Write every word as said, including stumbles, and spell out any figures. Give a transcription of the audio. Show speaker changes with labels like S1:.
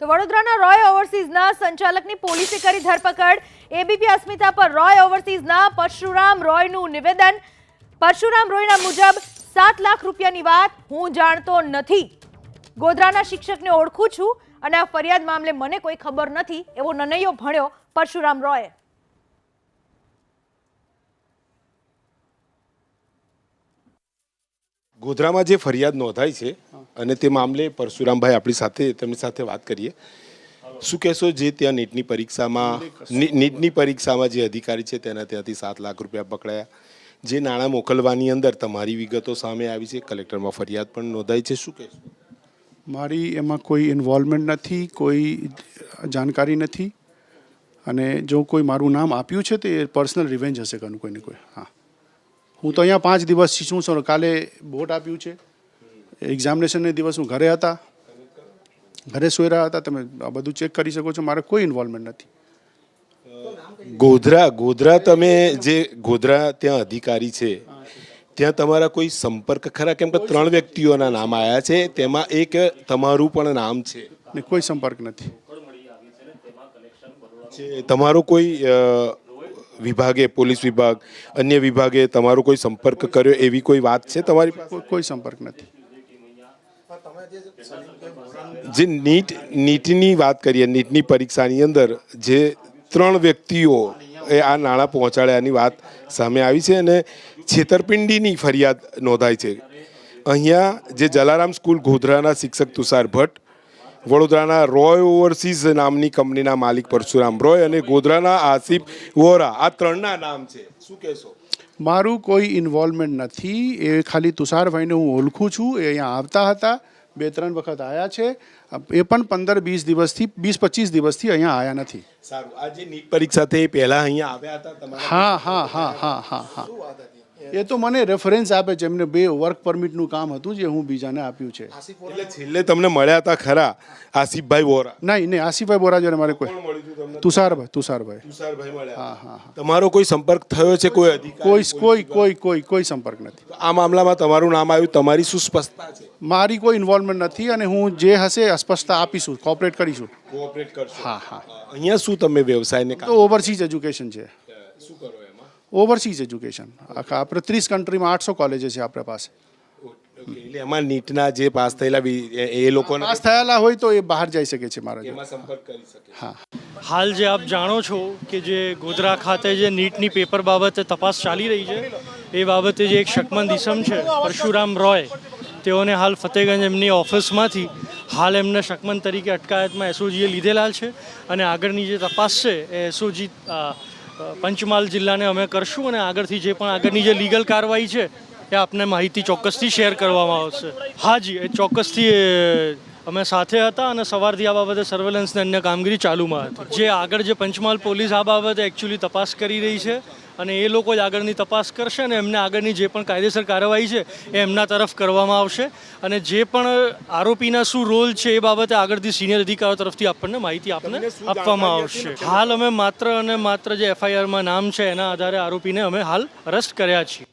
S1: તો વડોદરાના રોય ઓવરસીઝના સંચાલકની પોલીસે કરી ધરપકડ। એબીપી અસ્મિતા પર રોય ઓવરસીઝના પરશુરામ રોયનું નિવેદન। પરશુરામ રોયના મુજબ સાત લાખ રૂપિયાની વાત હું જાણતો નથી। ગોધરાના શિક્ષકને ઓળખું છું અને આ ફરિયાદ મામલે મને કોઈ ખબર નથી એવો નનૈયો ભણ્યો પરશુરામ રોય।
S2: ગોધરામાં જે ફરિયાદ નોંધાઈ છે અને તે મામલે પરશુરામભાઈ આપણી સાથે તેમની સાથે વાત કરીએ। શું કહેશો, જે ત્યાં નીટની પરીક્ષામાં નીટની પરીક્ષામાં જે અધિકારી છે તેના ત્યાંથી સાત લાખ રૂપિયા પકડાયા, જે નાણાં મોકલવાની અંદર તમારી વિગતો સામે આવી છે, કલેક્ટરમાં ફરિયાદ પણ નોંધાઈ છે, શું કહેશો?
S3: મારી એમાં કોઈ ઇન્વોલ્વમેન્ટ નથી, કોઈ જાણકારી નથી અને જો કોઈ મારું નામ આપ્યું છે તો એ પર્સનલ રિવેન્જ હશે કોઈનું કોઈને કોઈ। હા, હું તો અહીંયા પાંચ દિવસથી છું સર, કાલે બોર્ડ આપ્યું છે, એક્ઝામિનેશનને દિવસ હું ઘરે હતા, ઘરે સૂઈ રહ્યા હતા, તમે આ બધું ચેક કરી શકો છો, મારે કોઈ ઇન્વોલ્વમેન્ટ નથી।
S2: ગોધરા ગોધરા તમે જે ગોધરા ત્યાં અધિકારી છે ત્યાં તમારા કોઈ સંપર્ક ખરા? કેમ કે ત્રણ વ્યક્તિઓના નામ આવ્યા છે, તેમાં એક તમારું પણ નામ છે।
S3: ને કોઈ સંપર્ક નથી।
S2: તમારો કોઈ વિભાગે, પોલીસ વિભાગ, અન્ય વિભાગે તમારો કોઈ સંપર્ક કર્યો એવી કોઈ વાત છે તમારી પાસે?
S3: કોઈ સંપર્ક નથી।
S2: જે નીટ નીટની વાત કરીએ, નીટની પરીક્ષાની અંદર જે ત્રણ વ્યક્તિઓ એ આ નાણાં પહોંચાડ્યાની વાત સામે આવી છે અને છેતરપિંડીની ફરિયાદ નોંધાઈ છે। અહીંયા જે જલારામ સ્કૂલ ગોધરાના શિક્ષક તુષાર ભટ્ટ, વડોદરાના રોય ઓવરસીઝ નામની કંપનીના માલિક પરશુરામ રોય અને ગોધરાના આસિફ વોરા, આ ત્રણના નામ છે, શું કહેશો?
S3: મારું કોઈ ઇન્વોલ્વમેન્ટ નથી। એ ખાલી તુષારભાઈને હું ઓળખું છું, એ અહીંયા આવતા હતા, બે ત્રણ વખત આવ્યા છે, એ પણ પંદર વીસ દિવસથી વીસ પચીસ દિવસથી અહીંયા આવ્યા નથી।
S2: સારું, આ જે નીટ પરીક્ષા થઈ પહેલા અહીંયા આવ્યા હતા તમારા?
S3: હા હા હા હા હા હા એ તો મને રેફરન્સ આપે છે, એમને બે વર્ક પરમિટનું કામ હતું જે હું બીજાને આપ્યું છે।
S2: એટલે છેલ્લે તમને મળ્યા હતા ખરા આસિફભાઈ વોરા?
S3: નહીં નહીં, આસિફભાઈ બોરા જોડે મારે કોઈ, તુષારભાઈ તુષારભાઈ
S2: તુષારભાઈ મળ્યા?
S3: હા હા હા।
S2: તમારો કોઈ સંપર્ક થયો છે કોઈ અધિકારી?
S3: કોઈ કોઈ કોઈ કોઈ કોઈ સંપર્ક નથી।
S2: આ મામલામાં તમારું નામ આવ્યું, તમારી શું સ્પષ્ટતા છે?
S3: મારી કોઈ ઇન્વોલ્વમેન્ટ નથી અને હું જે હશે સ્પષ્ટતા આપીશું, કોઓપરેટ કરીશું।
S2: કોઓપરેટ કરશો?
S3: હા હા।
S2: અહીંયા શું તમે વ્યવસાયને
S3: તો ઓવરસીઝ એજ્યુકેશન છે।
S2: શું કરો એમાં?
S3: ઓવરસીઝ એજ્યુકેશન આખા આપણે ત્રીસ કન્ટ્રીમાં આઠસો કોલેજો છે આપણા પાસે।
S2: એટલે એમાં નીટના જે પાસ થયેલા એ લોકોને
S3: પાસ થયેલા હોય તો એ બહાર જઈ શકે છે મારા જોડે।
S2: એમાં સંપર્ક કરી શકે?
S3: હા।
S4: હાલ જે આપ જાણો છો કે જે ગોધરા ખાતે જે નીટની પેપર બાબતે તપાસ ચાલી રહી છે, એ બાબતે જે એક શકમંદ ઇસમ છે પરશુરામ રોય, તેઓને હાલ ફતેગંજ એમની ઓફિસમાંથી હાલ એમને શકમંદ તરીકે અટકાયતમાં એસઓજીએ લીધેલા છે અને આગળની જે તપાસ છે એ એસઓજી પંચમહાલ જિલ્લાને અમે કરશું અને આગળથી જે પણ આગળની જે લીગલ કાર્યવાહી છે એ આપને માહિતી ચોક્કસથી શેર કરવામાં આવશે। હાજી, એ ચોક્કસથી અમે સાથે હતા અને સવારથી આ બાબતે સર્વેલન્સને અન્ય કામગીરી ચાલુમાં હતી। જે આગળ જે પંચમહાલ પોલીસ આ બાબતે એકચ્યુઅલી તપાસ કરી રહી છે અને એ લોકો જ આગળની તપાસ કરશે અને એમને આગળની જે પણ કાયદેસર કાર્યવાહી છે એ એમના તરફ કરવામાં આવશે અને જે પણ આરોપીના શું રોલ છે એ બાબતે આગળથી સિનિયર અધિકારીઓ તરફથી આપણને માહિતી આપને આપવામાં આવશે। હાલ અમે માત્ર અને માત્ર જે એફઆઈઆરમાં નામ છે એના આધારે આરોપીને અમે હાલ અરેસ્ટ કર્યા છીએ।